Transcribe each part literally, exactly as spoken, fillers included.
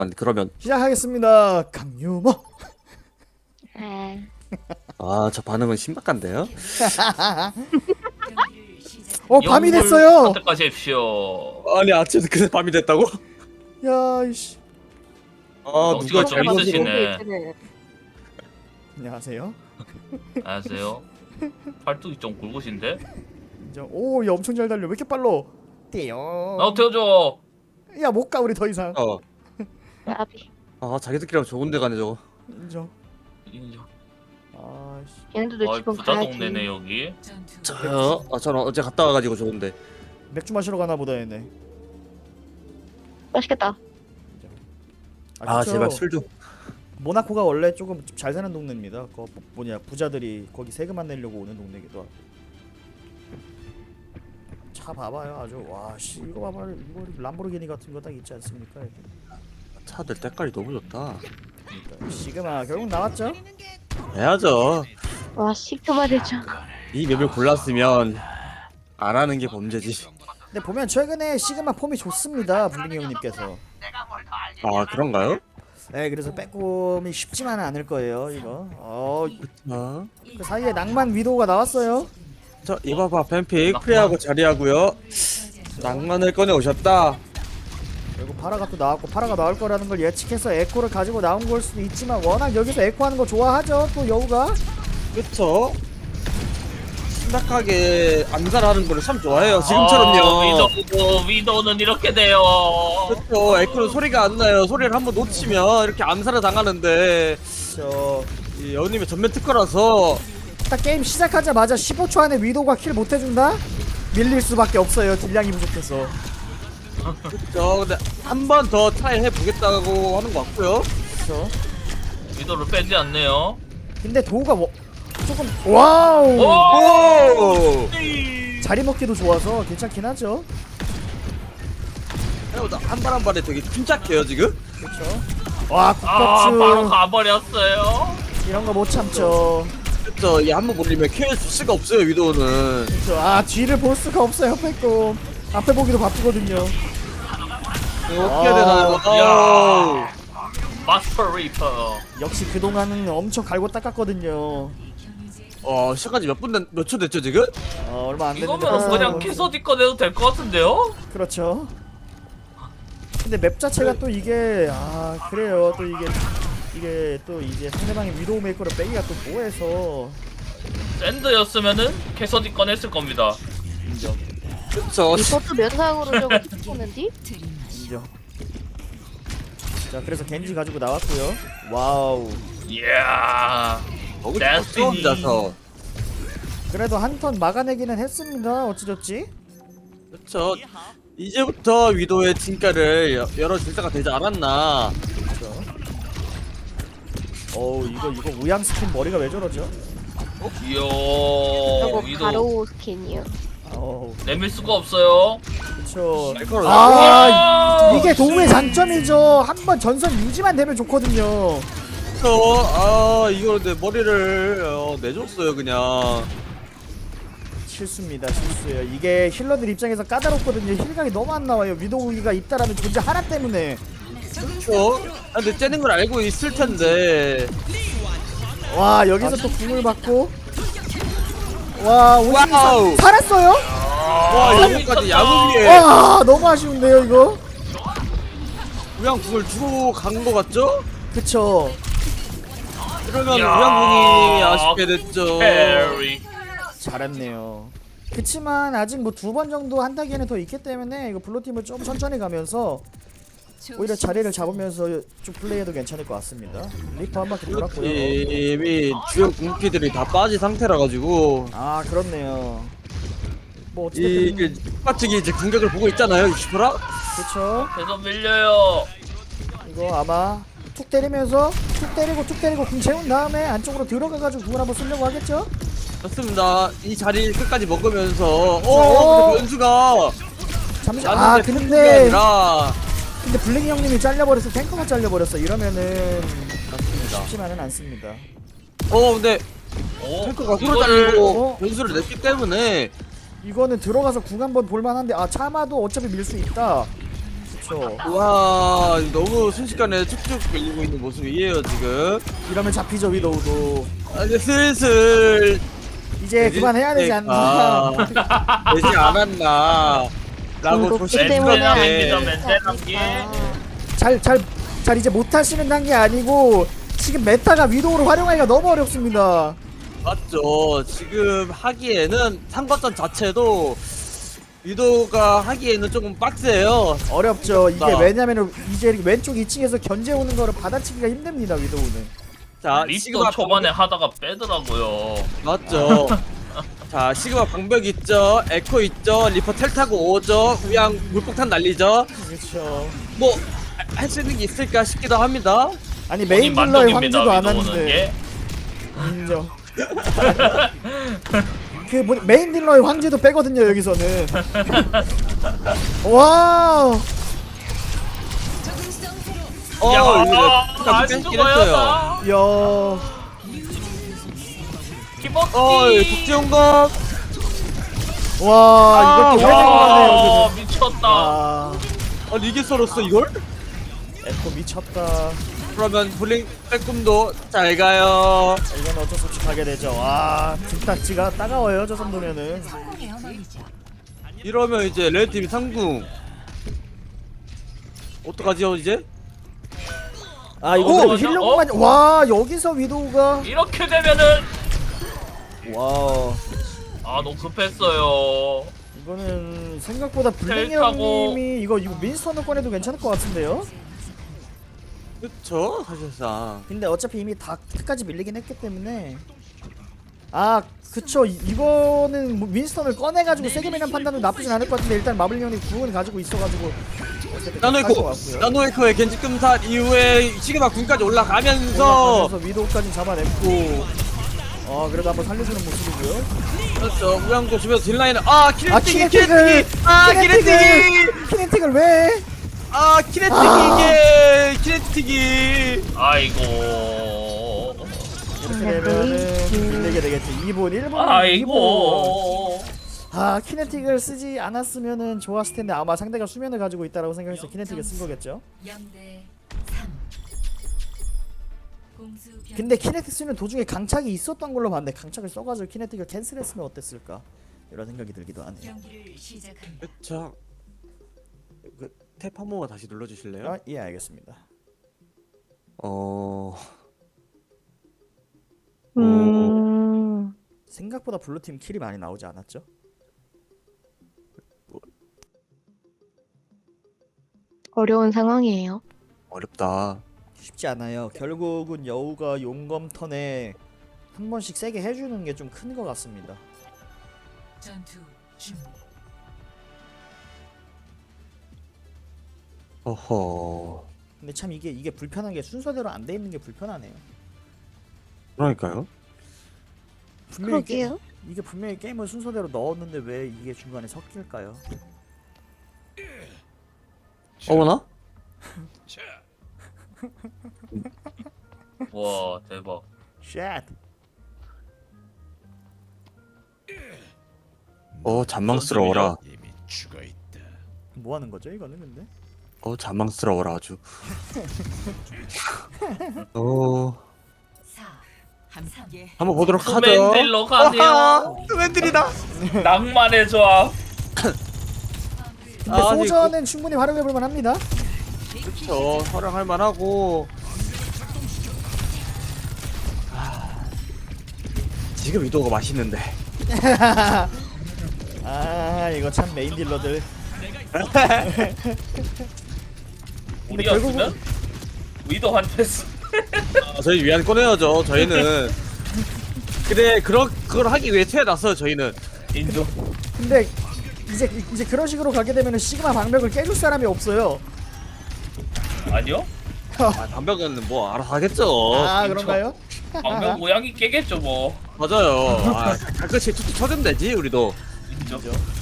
그러면 시작하겠습니다. 강유머. 아, 저 반응은 신박한데요? 어 밤이 됐어요. 선택하십시오. 아니 아침에 그새 밤이 됐다고? 야 이씨. 아 덩치가 누가 좀 잘못 있으시네. 안녕하세요. 안녕하세요. 팔뚝이 좀 굵으신데? 인정. 오, 야 엄청 잘 달려. 왜 이렇게 빨라? 띠용. 나도 태워줘. 야 못 가 우리 더 이상. 어. 나비. 아 자기들끼리 좋은 데 가네 저거. 인정. 인정. 아씨. 얘네들도 아, 지금 부자 가야지. 동네네 여기. 저요? 아 저는 어제 갔다 와가지고 좋은데. 맥주 마시러 가나 보다 얘네. 맛있겠다. 아 그쵸. 제발 술 좀. 모나코가 원래 조금 잘 사는 동네입니다. 그 뭐냐 부자들이 거기 세금 안 내려고 오는 동네기도 하고. 차 봐봐요 아주. 와씨 이거 봐봐. 이거 람보르기니 같은 거 딱 있지 않습니까? 이렇게. 차들 때깔이 너무 좋다. 그러니까 시그마 결국 나왔죠? 해야죠. 와 시그마 대장. 이 맵을 골랐으면 안 하는 게 범죄지. 근데 보면 최근에 시그마 폼이 좋습니다. 블링이 형님께서. 아 그런가요? 네, 그래서 빼꼼이 쉽지만은 않을 거예요 이거. 어, 어? 그 사이에 낭만 위도우가 나왔어요. 자 이봐봐 뱀픽 프리하고 자리하고요. 낭만을 꺼내 오셨다. 그리고 파라가 또 나왔고 파라가 나올 거라는 걸 예측해서 에코를 가지고 나온 걸 수도 있지만 워낙 여기서 에코 하는 거 좋아하죠 또 여우가. 그쵸? 심각하게 암살하는 거를 참 좋아해요. 지금처럼요. 아, 위도, 위도는 이렇게 돼요. 그쵸. 에코는 소리가 안 나요. 소리를 한번 놓치면 이렇게 암살을 당하는데 저 이 여우님의 전면 특허라서 딱 게임 시작하자마자 십오 초 안에 위도우가 킬 못 해준다? 밀릴 수밖에 없어요. 딜량이 부족해서. 그쵸. 근데 한 번 더 트라이 해보겠다고 하는 것 같고요. 그렇죠. 위도를 빼지 않네요. 근데 도우가 뭐 조금 와우 오! 오! 자리 먹기도 좋아서 괜찮긴 하죠. 생각보다 한 발 한 발에 되게 침착해요 지금. 그렇죠. 와 아, 바로 국밥주 가버렸어요. 이런 거 못 참죠. 그쵸. 이 한 번 몰리면 케어 줄 수가 없어요 위도우는. 그렇죠. 아 뒤를 볼 수가 없어요. 빼꼼 앞에 보기도 바쁘거든요. 이거 어떻게 해야 되나요? 야. 아우. 마스터 리퍼. 역시 그동안은 엄청 갈고 닦았거든요. 어 시간까지 몇 분 몇 초 됐죠 지금? 어, 얼마 안 됐는데 이거면 그냥 벌써- 캐서디 꺼내도 될 것 같은데요? 그렇죠. 근데 맵 자체가 또 이게 아 그래요. 또 이게 이게 또 이제 상대방의 위도우 메이커를 빼기가 또 뭐해서 샌드였으면은 캐서디 꺼냈을 겁니다. 인정 그쵸. 이것도 면상으로 저거 보는디? 인정. 자 그래서 겐지 가지고 나왔고요. 와우. 이야. 먹을 데스티니. 수 없어서. 그래도 한 턴 막아내기는 했습니다. 어찌됐지? 그쵸. 이제부터 위도의 진가를 여- 열어줄 때가 되지 않았나. 그렇죠. 어우 이거 이거 우양 스킨 머리가 왜 저러죠? 이야. 저거 위도 가로 스킨이요. 어우 내밀 수가 없어요. 그쵸. 에코를 아 아, 이게 도움의 장점이죠. 한번 전선 유지만 되면 좋거든요. 그쵸. 아 이거 내 머리를 어, 내줬어요 그냥. 실수입니다. 실수예요. 이게 힐러들 입장에서 까다롭거든요. 힐각이 너무 안 나와요. 위도우기가 있다라는 존재 하나 때문에. 그쵸. 아, 근데 째는 걸 알고 있을 텐데. 와 여기서 또 궁을 받고. 와 오십이 와우. 살았어요? 와 아, 여기까지 미쳤다. 야구기에 와 너무 아쉬운데요 이거. 우양국을 주고 간 거 같죠? 그쵸. 그러면 이야. 우양국이 아쉽게 됐죠. 페리. 잘했네요. 그치만 아직 뭐 두 번 정도 한다기에는 더 있기 때문에 이거 블루팀을 좀 천천히 가면서 오히려 자리를 잡으면서 쭉 플레이해도 괜찮을 것 같습니다. 리퍼 한 바퀴 돌았고요. 팀이 주요 궁피들이 다 빠진 상태라 가지고 아 그렇네요. 뭐 이 어쨌든 똑같이 이제 공격을 보고 있잖아요 육십 퍼센트. 그쵸. 계속 밀려요. 이거 아마 툭 때리면서 툭 때리고 툭 때리고 궁 채운 다음에 안쪽으로 들어가가지고 궁을 한번 쓰려고 하겠죠? 좋습니다. 이 자리 끝까지 먹으면서 어. 어 근데 변수가 잠시 아 나는 게 근데 아니라 근데 블링이 형님이 잘려버렸어. 탱커가 잘려버렸어. 이러면은 맞습니다. 쉽지만은 않습니다. 어 근데 오, 탱커가 서로 이거를 달리고 어? 변수를 냈기 때문에 이거는 들어가서 궁 한번 볼만한데 아 차마도 어차피 밀 수 있다. 그쵸. 그렇죠. 와 너무 순식간에 쭉쭉 밀리고 있는 모습이에요 지금. 이러면 잡히죠 위도우도. 아, 이제 슬슬 이제 되지 그만해야 되지 않나. 않나. 되지 않았나 라고 중독기 조심스럽게 때문에 안 멘탈 돼. 멘탈 단계. 잘 잘 잘 이제 못하시는 단계 아니고 지금 메타가 위도우를 활용하기가 너무 어렵습니다. 맞죠. 지금 하기에는 삼거점 자체도 위도가 하기에는 조금 빡세요. 어렵죠. 이게 나. 왜냐면은 이제 이렇게 왼쪽 이 층에서 견제 오는 거를 받아치기가 힘듭니다 위도우는. 자 리스도 시그마 초반에 하다가 빼더라고요. 맞죠. 자 시그마 방벽 있죠. 에코 있죠. 리퍼 텔 타고 오죠. 그냥 물폭탄 날리죠. 그렇죠. 뭐 할 수 있는 게 있을까 싶기도 합니다. 아니 메인 본인 딜러의 만족입니다. 황제도 안 위도우는 하는데 게. 인정. 그 뭐, 메인 딜러의 황제도 빼거든요 여기서는. 와. 어 야, 이거 안 뺏긴 죽어요. 했어요. 나. 야. 기본기. 어 독재용검. 와 이것도 왜 와, 생각나네요. 미쳤다. 아. 아니 이게 썰었어 이걸? 에코 미쳤다. 그러면 블링 빼꼼도 잘 가요. 이건 어쩔 수 없이 가게 되죠. 와 등딱지가 따가워요 저 정도면은. 이러면 이제 레드팀이 상궁. 어떡하지요 이제? 아 이거 오! 어, 힐러공만. 와 여기서 위도우가. 이렇게 되면은 와. 아 너무 급했어요. 이거는 생각보다 블랙 텔 타고. 형님이 이거 이거 민스턴을 꺼내도 괜찮을 것 같은데요? 그쵸 사실상. 근데 어차피 이미 다 끝까지 밀리긴 했기 때문에. 아 그쵸 이, 이거는 뭐 윈스턴을 꺼내가지고 세게 미는 판단도 나쁘진 않을 것 같은데 일단 마블 형이 구원을 가지고 있어가지고 나노에코 나노에코의 겐지 금산 이후에 시그마 군까지 올라가면서 올라가면서 위도우까지 잡아냈고. 아 그래도 한번 살려주는 모습이고요. 그렇죠 우양도 주변에서 딜라인을 아 키네틱이 아 키네틱을 키네틱이 아 키네틱이 키네틱을 왜? 아 키네틱이 이게 키네틱이 아이고. 이렇게 되면은 밀리게 되겠지. 이 분 일 분 이 분. 아이고. 아 키네틱을 쓰지 않았으면은 좋았을 텐데 아마 상대가 수면을 가지고 있다라고 생각해서 키네틱을 쓴 거겠죠. 영대 삼. 공수 변. 근데 키네틱 쓰는 도중에 강착이 있었던 걸로 봤는데 강착을 써가지고 키네틱을 캔슬했으면 어땠을까 이런 생각이 들기도 하네요. 경기를 시작합니다. 그쵸 그탭 한 번만 다시 눌러주실래요? 아, 예 알겠습니다. 어... 음. 생각보다 블루팀 킬이 많이 나오지 않았죠? 어려운 상황이에요. 어렵다. 쉽지 않아요. 결국은 여우가 용검 턴에 한 번씩 세게 해주는 게 좀 큰 것 같습니다. 전투 준비. 어허... 근데 참 이게 이게 불편한 게 순서대로 안 돼 있는 게 불편하네요. 그러니까요. 분명히 게, 그러게요. 이게 분명히 게임을 순서대로 넣었는데 왜 이게 중간에 섞일까요? 어머나? 와 대박. 쉣. 어 잔망스러워라. 뭐 하는 거죠 이거는 근데? 어 잔망스러워라 아주. 어... 사. 삼. 예. 한번 보도록 하죠. 투맨딜러 가네요. 투맨딜이다. 낭만의 조합. 근데 아, 소전은 충분히 활용해볼 만합니다. 그쵸 활용할 만하고. 아, 지금 위도가 맛있는데. 아 이거 참 메인 딜러들. 근데 우리였으면 위도한테 쓰- 아, 저희 위안 꺼내야죠. 저희는. 그래 그런 그걸 하기 위해 태어났어요. 저희는. 인정. 근데 이제 이제 그런 식으로 가게 되면은 시그마 방벽을 깨줄 사람이 없어요. 아니요? 아, 담배는 뭐 알아서 하겠죠. 아 그런가요? 방금 모양이 깨겠죠 뭐. 맞아요. 아, 가끔씩 툭툭 쳐주면 되지 우리도. 인정.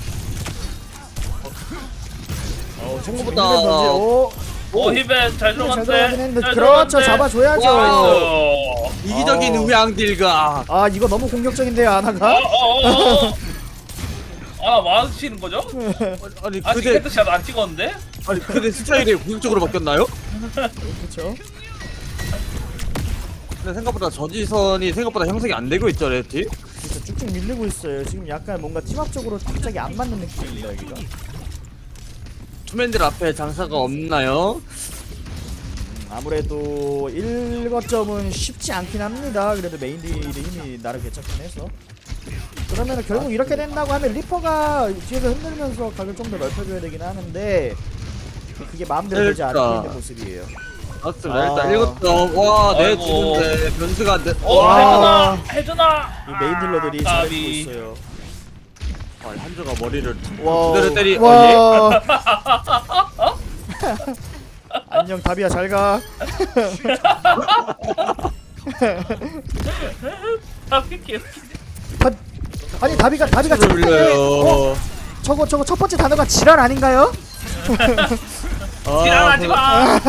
어, 던지- 생각보다. 오, 오 히벤 잘 잘 들어갔네. 들어가긴 했는데 잘 그렇죠 들어갔네. 잡아줘야죠. 나이스. 이기적인 어. 우양딜가. 아 이거 너무 공격적인데요 어, 아나가? 어, 어, 어. 아 맞으시는 거죠? 아니 아직 그대 헤드샷 안 찍었는데? 아니 그대 스타일이 공격적으로 바뀌었나요? 그렇죠. 근데 생각보다 저지선이 생각보다 형성이 안 되고 있죠 레티. 진짜 쭉쭉 밀리고 있어요. 지금 약간 뭔가 팀합적으로 갑자기 안 맞는 느낌입니다 여기가. 투맨들 앞에 장사가 없나요? 아무래도 일거점은 쉽지 않긴 합니다. 그래도 메인 딜이 힘이 나름 괜찮긴 해서. 그러면 결국 이렇게 된다고 하면 리퍼가 뒤에서 흔들면서 각을 좀 더 넓혀줘야 되긴 하는데 그게 마음대로 되지 않고 그러니까. 있는 모습이에요. 맞습니다. 아. 일단 일곱 점. 와, 내 아이고. 주는데 변수가 안 돼. 어 와. 해주나 해주나. 이 메인 딜러들이 아, 잘해주고 까비. 있어요. 아, 한조가 머리를 와. 그대로 때리. 어, 와. 안녕 다비야 잘 가. 아 삐끼. 다, 아니 다비가 다비가 를 첫 번째 올려요. 어? 저거 저거 첫 번째 단어가 지랄 아닌가요? 아, 지랄하지 마.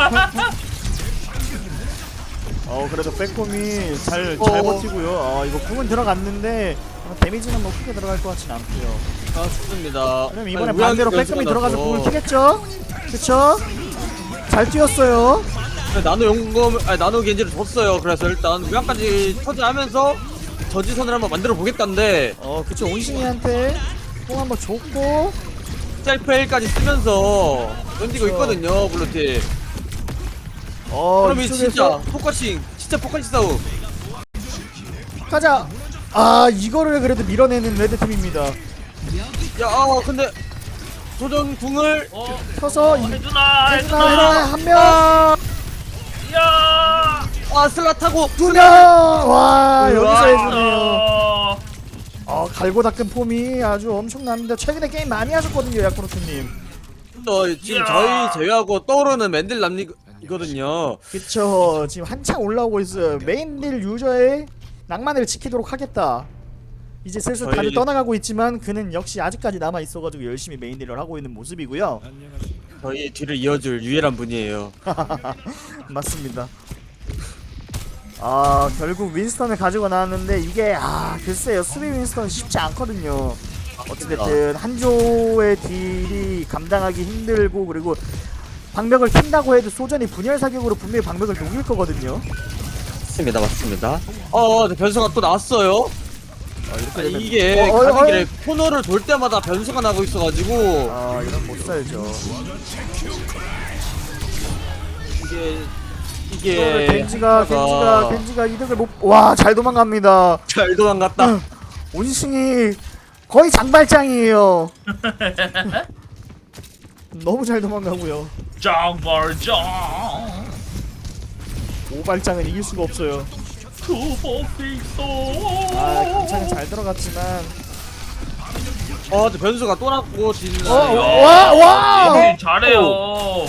어 그래도 백홈이 잘 잘 어. 버티고요. 아 이거 궁은 들어갔는데 어, 데미지는 뭐 크게 들어갈 것 같진 않고요. 아, 좋습니다. 그럼 이번에 아니, 반대로 우양이 백홈이 변수가 들어가서 나서. 궁을 키겠죠? 그쵸? 잘 뛰었어요. 나노 용검, 아니 나노 겐지를 줬어요. 그래서 일단 우양까지 터지하면서 저지선을 한번 만들어 보겠다는데 어 그쵸 온신이한테 뽕 한번 줬고 셀프 L까지 쓰면서 던지고 그쵸. 있거든요, 블루팀. 어 그럼 이 진짜 이쪽에서 포커싱, 진짜 포커싱 싸움. 가자. 아 이거를 그래도 밀어내는 레드팀입니다. 야, 아, 근데 조정 궁을 어 서서 이 해주나 해주나 해주나. 해주나 한명 야. 아 슬라 타고 두명 와 여기서 우와. 해주네요. 어. 어 갈고 닦은 폼이 아주 엄청납니다. 최근에 게임 많이 하셨거든요 야쿠르트님. 또 지금 이야. 저희 제외하고 떠오르는 맨들남이거든요. 그쵸 지금 한창 올라오고 있어요. 메인딜 유저의 낭만을 지키도록 하겠다. 이제 슬슬 저희- 다들 떠나가고 있지만 그는 역시 아직까지 남아 있어가지고 열심히 메인딜을 하고 있는 모습이고요. 저희 뒤를 이어줄 유일한 분이에요. 맞습니다. 아 결국 윈스턴을 가지고 나왔는데 이게 아 글쎄요 수비 윈스턴 쉽지 않거든요. 어찌됐든 한조의 딜이 감당하기 힘들고 그리고 방벽을 킨다고 해도 소전이 분열 사격으로 분명히 방벽을 녹일 거거든요. 맞습니다, 맞습니다. 어, 네, 변수가 또 나왔어요. 아, 이렇게 아, 되면 이게 어, 어, 가는 어, 길에 코너를 돌 때마다 변수가 나고 있어가지고 아 이런 못 살죠. 이게 이거를 이게 겐지가 겐지가 하다가 겐지가 이득을 못. 와 잘 도망갑니다. 잘 도망갔다. 온싱이 거의 장발장이에요. 너무 잘 도망가고요. 장발장. 오발장은 이길 수가 없어요. 투보 픽소. 아 괜찮은 잘 들어갔지만 어, 근데 변수가 또 났고 진짜 어, 와, 와! 이 잘해요.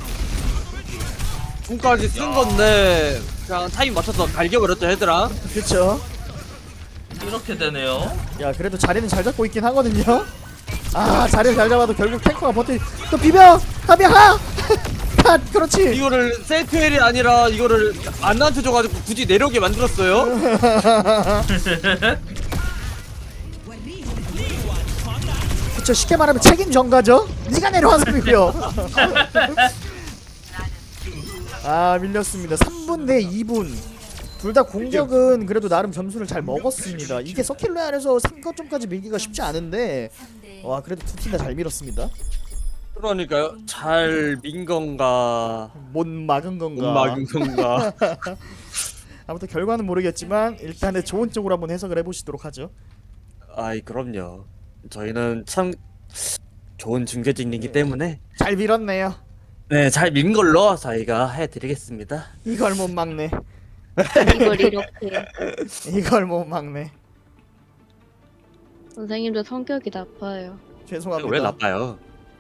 궁까지 쓴 건데 그냥 타임 맞춰서 갈겨버렸죠 헤드랑. 그쵸. 이렇게 되네요. 야 그래도 자리는 잘 잡고 있긴 하거든요. 아 자리를 잘 잡아도 결국 탱커가 버티. 또 비벼 가비야 하. 컷 그렇지. 이거를 세트엘이 아니라 이거를 안나한테 줘가지고 굳이 내려오게 만들었어요. 그쵸 쉽게 말하면 책임 전가죠. 네가 내려와서 비벼. 아 밀렸습니다. 삼 분 대 이 분. 둘 다 공격은 그래도 나름 점수를 잘 먹었습니다. 이게 서킬로 안에서 삼 거점까지 밀기가 쉽지 않은데 삼 대 와 그래도 두 팀 다 잘 밀었습니다. 그러니까요. 잘 민 건가 못 막은 건가. 못 막은 건가. 아무튼 결과는 모르겠지만 일단은 좋은 쪽으로 한번 해석을 해보시도록 하죠. 아이 그럼요. 저희는 참 좋은 중계진이기 때문에 잘 밀었네요. 네 잘 민 걸로 저희가 해드리겠습니다. 이걸 못 막네. 이걸 이렇게. 이걸 못 막네. 선생님도 성격이 나빠요. 죄송합니다. 왜 나빠요?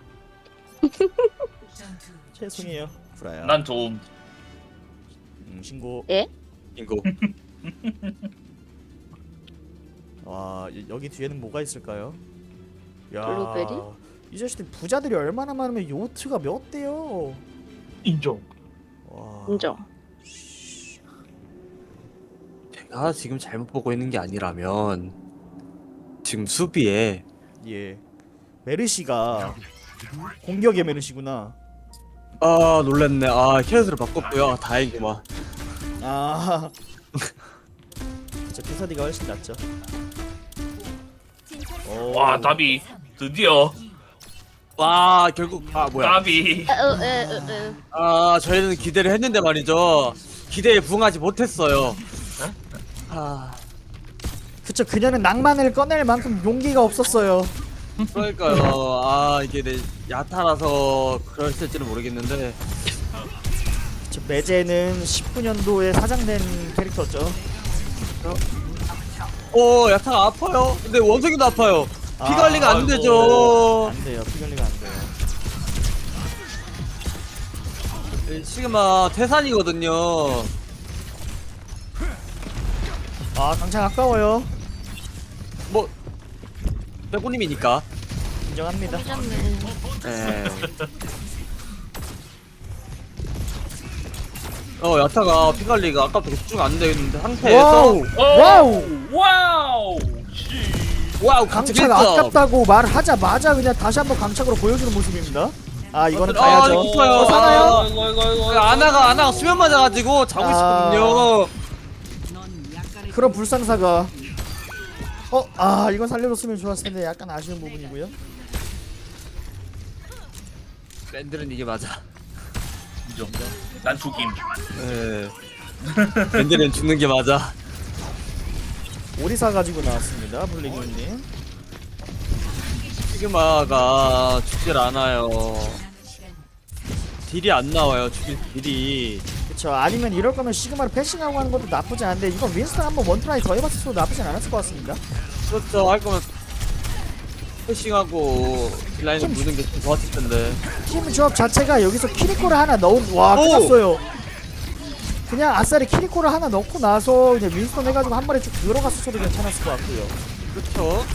전투 죄송해요. 구라야. 난 좀. 음, 신고. 인고. 와 여, 여기 뒤에는 뭐가 있을까요? 야, 블루베리? 이 자식들 부자들이 얼마나 많으면 요트가 몇 대요? 인정. 와. 인정. 제가 지금 잘못 보고 있는 게 아니라면 지금 수비에 예. 메르시가 공격의 메르시구나. 아 놀랬네. 아 캐럿으로 바꿨고요. 아, 다행이구만. 아. 저 피사디가 훨씬 낫죠. 오. 와 나비 드디어 와 결국 아 뭐야. 나비. 어, 에, 에, 에. 아 저희는 기대를 했는데 말이죠. 기대에 부응하지 못했어요. 아 그쵸, 그녀는 낭만을 꺼낼 만큼 용기가 없었어요. 그러니까요. 아 이게 내 야타라서 그랬을지는 모르겠는데. 저 매제는 십구 년도에 사장된 캐릭터죠. 오 야타가 아파요. 근데 원석이도 아파요. 피 아, 관리가 안 아이고. 안 되죠. 돼요. 피 관리가 안 돼요. 시그마 태산이거든요. 아, 당장 아까워요. 뭐 빼고님이니까. 인정합니다. 삐졌네. 네. 어 야타가 피 관리가 아까부터 집중 안 되는 상태에서 와우. 와우. 와우. 씨. 와우 강착 강착 아깝다고 말하자마자 그냥 다시 한번 강착으로 보여주는 모습입니다. 아, 이거는 아, 가야죠. 이거요. 어, 사나요? 이거 이거 이거. 아나가 아나가 수면 맞아가지고 자고 아. 있거든요. 그런 불상사가. 어, 아, 이건 살려줬으면 좋았을 텐데 약간 아쉬운 부분이고요. 밴들은 이게 맞아. 인정. 난 죽임. 예. 밴들은 죽는 게 맞아. 오리사 가지고 나왔습니다, 블랙님. 시그마가 죽질 않아요. 남은 시간 딜이 안 나와요. 죽일 딜이. 그쵸. 아니면 이럴 거면 시그마를 패싱하고 하는 것도 나쁘지 않은데 이건 윈스턴 한번 원트라이 더 해봤어도 나쁘진 않았을 것 같습니다. 그렇죠. 할 거면 패싱하고 딜라인을 무는 게 좀 좋았을 텐데. 팀 조합 자체가 여기서 키리코를 하나 넣은 와 오! 끝났어요. 그냥 아싸리 키리코를 하나 넣고 나서 그냥 윈스턴 해가지고 한 마리 쭉 들어갔어도 괜찮았을 것 같고요. 그렇죠.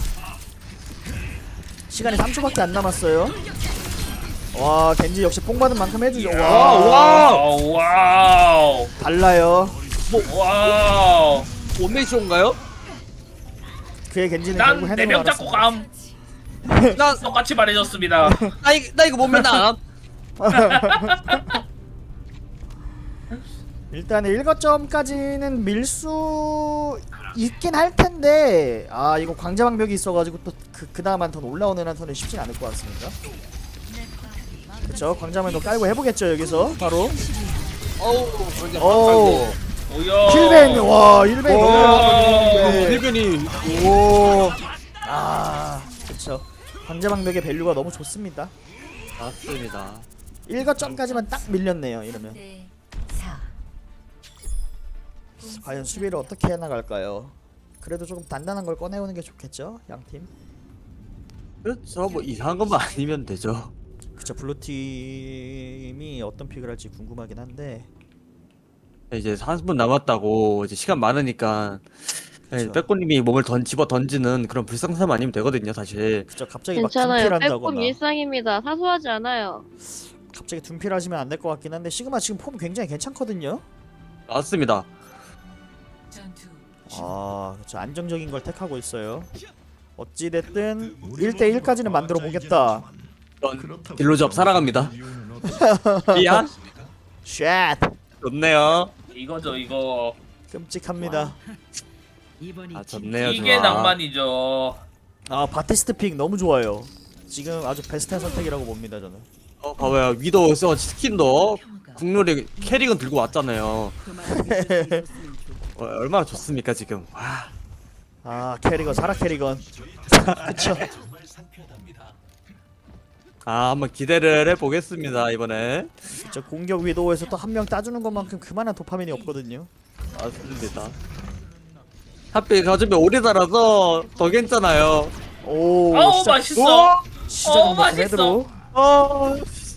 시간이 삼 초밖에 안 남았어요. 와, 겐지 역시 뽕 받은 만큼 해주죠. 와, 와, 와. 와우 와우. 달라요. 와우. 원메이쇼인가요? 그의 겐지는 결국 난 해내고 네 명 잡고 말았습니다. 감. 나, 똑같이 말해줬습니다. 나, 이, 나 이거 못 믿나? 일단 일거점까지는 밀 수 있긴 할 텐데 아 이거 광자방벽이 있어가지고 또 그 그 다음 한 턴 올라오는 한 턴은 쉽진 않을 것 같습니다. 그렇죠. 광자방벽 깔고 해보겠죠 여기서 바로. 어우, 그냥 어우. 오. 오야. 힐벤 와 힐벤 오. 너무 힐변이. 오. 아 그렇죠. 광자방벽의 밸류가 너무 좋습니다. 맞습니다. 일거점까지만 딱 밀렸네요 이러면. 대 사. 과연 수비를 어떻게 해나갈까요? 그래도 조금 단단한 걸 꺼내오는 게 좋겠죠 양팀. 그렇죠. 뭐 이상한 것만 아니면 되죠. 그쵸. 블루팀이 어떤 픽을 할지 궁금하긴 한데 이제 삼십 분 남았다고 이제 시간 많으니까 그쵸. 빼꼬님이 몸을 던 집어 던지는 그런 불상사만 아니면 되거든요, 사실. 그쵸. 갑자기 막 괜찮아요. 빼꼼 둔필한다거나 일상입니다. 사소하지 않아요. 갑자기 둔필하시면 안 될 것 같긴 한데 시그마 지금 폼 굉장히 괜찮거든요. 맞습니다. 전투 아 그쵸. 안정적인 걸 택하고 있어요. 어찌됐든 일 대 일까지는 만들어 보겠다. 전 딜로잡 살아갑니다. 이야? 쉣 좋네요. 이거죠 이거. 끔찍합니다. 아 좋네요. 이게 좋아. 낭만이죠. 아 바티스트 픽 너무 좋아요. 지금 아주 베스트한 선택이라고 봅니다 저는. 어 봐봐요. 위도우 써 스킨도 국룰이 캐릭은 들고 왔잖아요. 어, 얼마나 좋습니까 지금. 와. 아 캐리건 사라 캐리건. 그쵸. 아 한번 기대를 해보겠습니다 이번에. 저 공격 위도우에서 또 한 명 따주는 것만큼 그만한 도파민이 없거든요. 맞습니다. 하필 가슴이 오래 달아서 더 괜찮아요. 오 아우 시작 맛있어. 시작은 어, 뭐 맛있어. 헤드로. 어,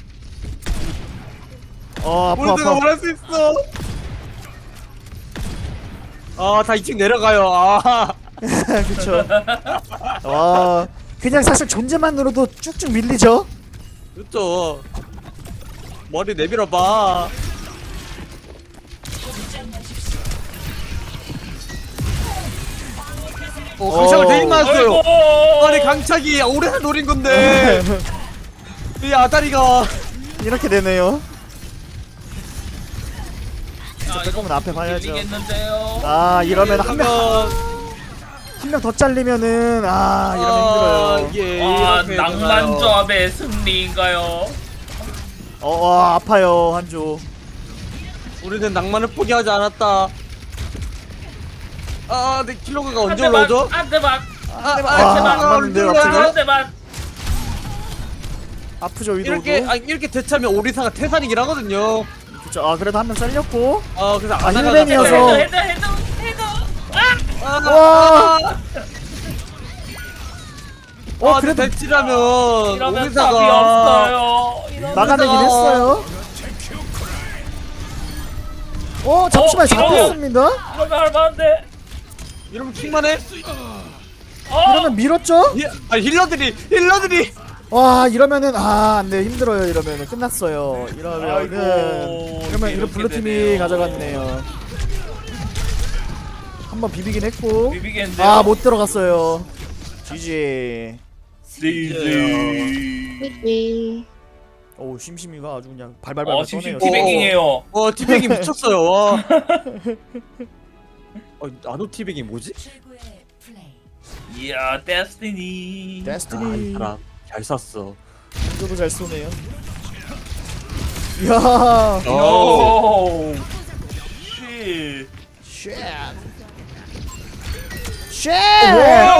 어 아파 모르드가 아파. 말할 수 있어. 아, 다 이 층 내려가요. 아, 그쵸. 와 그냥 사실 존재만으로도 쭉쭉 밀리죠. 그렇죠. 머리 내밀어봐. 어, 강착을 되게 많았어요. 아이고. 아니 강착이 오래 노린 건데 이 아다리가 이렇게 되네요. 아, 빼꼼은 이거 앞에 봐야죠. 밀리겠는데요. 아 이러면 한 명 한 명 더 잘리면은 아 이러면 힘들어요. 이게 아, 이렇게 낭만 되나요? 조합의 승리인가요? 어, 어 아파요 한조. 우리는 낭만을 포기하지 않았다. 아, 내 킬로그가 한 언제 대만, 올라오죠? 한 대만, 아, 아, 킬로그가 안 맞는데요, 언제 갑자기? 올라오죠? 한 대만. 아프죠 위도도. 이렇게 아, 이렇게 대처하면 오리사가 태산이긴 하거든요. 그쵸. 아 그래도 한 명 잘렸고. 아, 그래서 아, 아다리가 힐벤이어서. 헤드, 헤드, 헤드, 헤드. 아! 아, 와. 아, 어 아, 그래도 대치라면 이러면 답이 오리사가 없어요. 이러면 막아내긴 오리사가- 했어요. 어 잠시만 어, 이거. 잡혔습니다. 이러면 할만한데. 이러면 킹만해? 어? 이러면 밀었죠? 히, 아, 힐러들이 힐러들이 와 이러면은 아 안돼 힘들어요. 이러면은 끝났어요. 이러면은 아이고, 이러면 이런 이렇게 블루 팀이 되네요. 가져갔네요. 한번 비비긴 했고 비비겠는데요? 아 못 들어갔어요. 지지. 지지. 삐삐. 오 심심이가 아주 그냥 발발발 어, 떠네요. 심심 티- 티베깅해요. 어 티백이 미쳤어요. 와. 어, 나노 티백이 뭐지? 최고의 플레이. 이야, 데스티니. 아, 이 데스티니. 사람 잘 쐈어. 저도 잘 쏘네요. 이야. 오. 쉣. 쉣. 쉣. 와!